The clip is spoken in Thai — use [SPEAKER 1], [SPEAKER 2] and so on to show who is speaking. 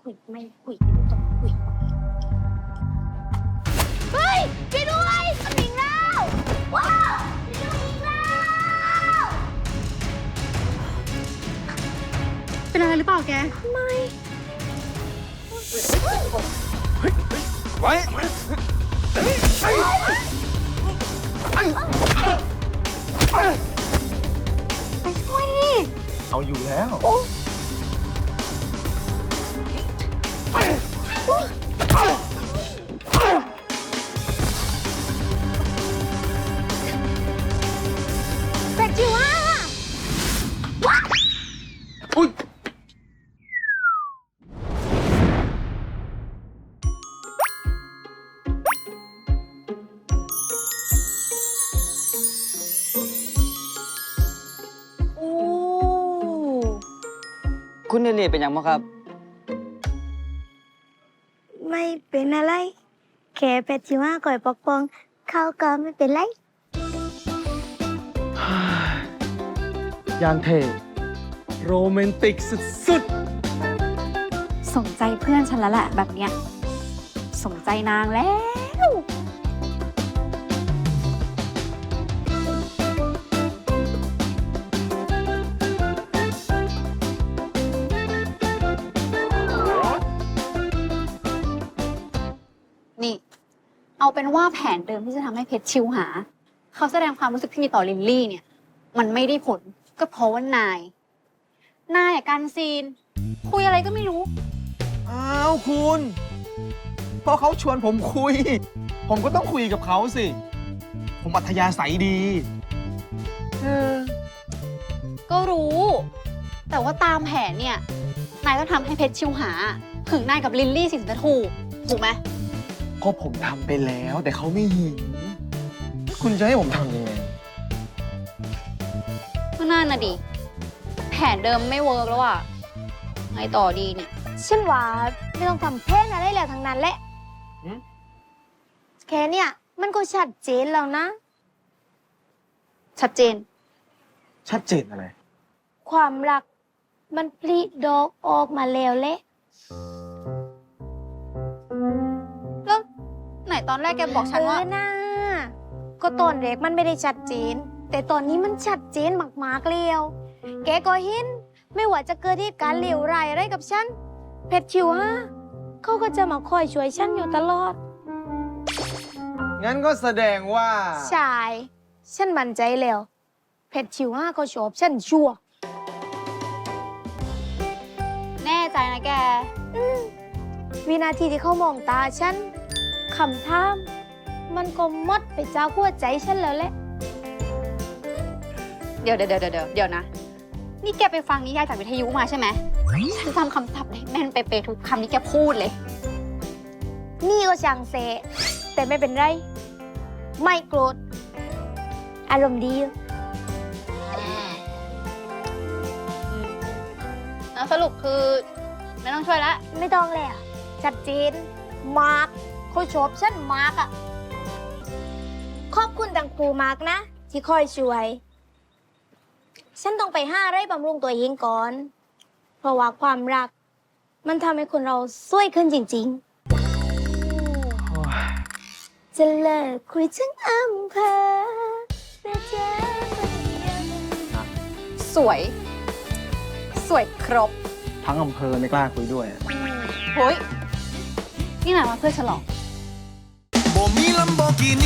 [SPEAKER 1] คุยไม่คุยไม่ต้องคุยเฮ้ยช่วยด้วยมันหนีแล้วว้าวมันหนีแล้ว
[SPEAKER 2] เป็นอะไรหรือเปล่าแก
[SPEAKER 1] ไม่
[SPEAKER 3] ไว้
[SPEAKER 1] ไปช่วยดิ
[SPEAKER 3] เอาอยู่แล้ว
[SPEAKER 1] เป็ดจิ๋วอ่ะ
[SPEAKER 3] อุ้ย
[SPEAKER 1] โอ้
[SPEAKER 4] คุณเนเน่เป็นยังไงครับ
[SPEAKER 1] ไม่เป็นอะไรแค่เป็ดจิ๋วอ่ะก่อยปกป้องเขาก็ไม่เป็นไร
[SPEAKER 3] ยางเทโรแมนติกสุด
[SPEAKER 2] สนใจเพื่อนฉันแล้วแหละแบบเนี้ยสนใจนางแล้ว นี่ เอาเป็นว่าแผนเดิมที่จะทำให้เพชรชิวหา เขาแสดงความรู้สึกที่มีต่อลินลี่เนี่ย มันไม่ได้ผลก็เพราะว่านายอะการซีน คุยอะไรก็ไม่รู้
[SPEAKER 3] ๆ อ้าวคุณพอเขาชวนผมคุย ผมก็ต้องคุยกับเขาสิ ผมอัธยาศัยดี
[SPEAKER 2] ก็รู้ แต่ว่าตามแผนเนี่ย นายต้องทำให้เพชรชิวหาถึงนายกับลินลี่สิถึงจะถูกไหม
[SPEAKER 3] ก็ผมทำไปแล้วแต่เขาไม่เห็นคุณจะให้ผมทำยังไง
[SPEAKER 2] ก็น่าน่ะดิ แผนเดิมไม่เวิร์กแล้วอะไงต่อดีเนี่ย
[SPEAKER 1] ฉันว่าไม่ต้องทำแพนอะไรแล้วทั้งนั้นแหละ
[SPEAKER 3] หืม
[SPEAKER 1] แค่เนี่ยมันก็ชัดเจนแล้วนะ
[SPEAKER 2] ชัดเจน
[SPEAKER 3] ชัดเจนอะไร
[SPEAKER 1] ความรักมันปลิดอกออกมาแล้วแหละ
[SPEAKER 2] แล้วไหนตอนแรกแกบอกฉันว่า
[SPEAKER 1] นะก็ตอนแรกมันไม่ได้ชัดเจน แต่ตอนนี้มันชัดเจนมากๆแล้วแกก็เห็นไม่ว่าจะเกิดเหตุการณ์เลวร้ายอะไรกับฉันเพชรชิวฮะเขาก็จะมาคอยช่วยฉันอยู่ตลอด
[SPEAKER 3] งั้นก็แสดงว่า
[SPEAKER 1] ใช่ฉันมั่นใจแล้วเพชรชิวฮะเขาชอบฉันชัวร์
[SPEAKER 2] แน่ใจนะแก
[SPEAKER 1] วินาทีที่เขามองตาฉันคำถามมันก็หมดไปจากหัวใจฉันแล้วแหละ
[SPEAKER 2] เดี๋ยวนะ นี่แกไปฟังนิยายจากวิทยุมาใช่ไหม ฉันจำคำศัพท์ได้แม่นเป๊ะๆทุกคำที่แกพูดเลย
[SPEAKER 1] นี่ก็ช่างเสแต่ไม่เป็นไร ไม่โกรธ อารมณ์ดีอยู่
[SPEAKER 2] แล้วสรุปคือไม่ต้องช่วยละ
[SPEAKER 1] ไม่ต้องเลยอ่ะชัดเจนมากเขาชอบฉันมากอ่ะ ขอบคุณตังครูมากนะ ที่คอยช่วย ฉันต้องไปห้าไร่บำรุงตัวเองก่อน เพราะว่าความรัก มันทำให้คนเราสวยขึ้นจริง ๆ จะเลิกคุยทั้งอำเภอแต่เจ๊คนเดียว
[SPEAKER 2] สวยครบ
[SPEAKER 3] ทั้งอำเภอไม่กล้าคุยด้วย
[SPEAKER 2] เฮ้ย นี่นายมาเพื่อฉลอง
[SPEAKER 5] บ่มีลัมโบกินี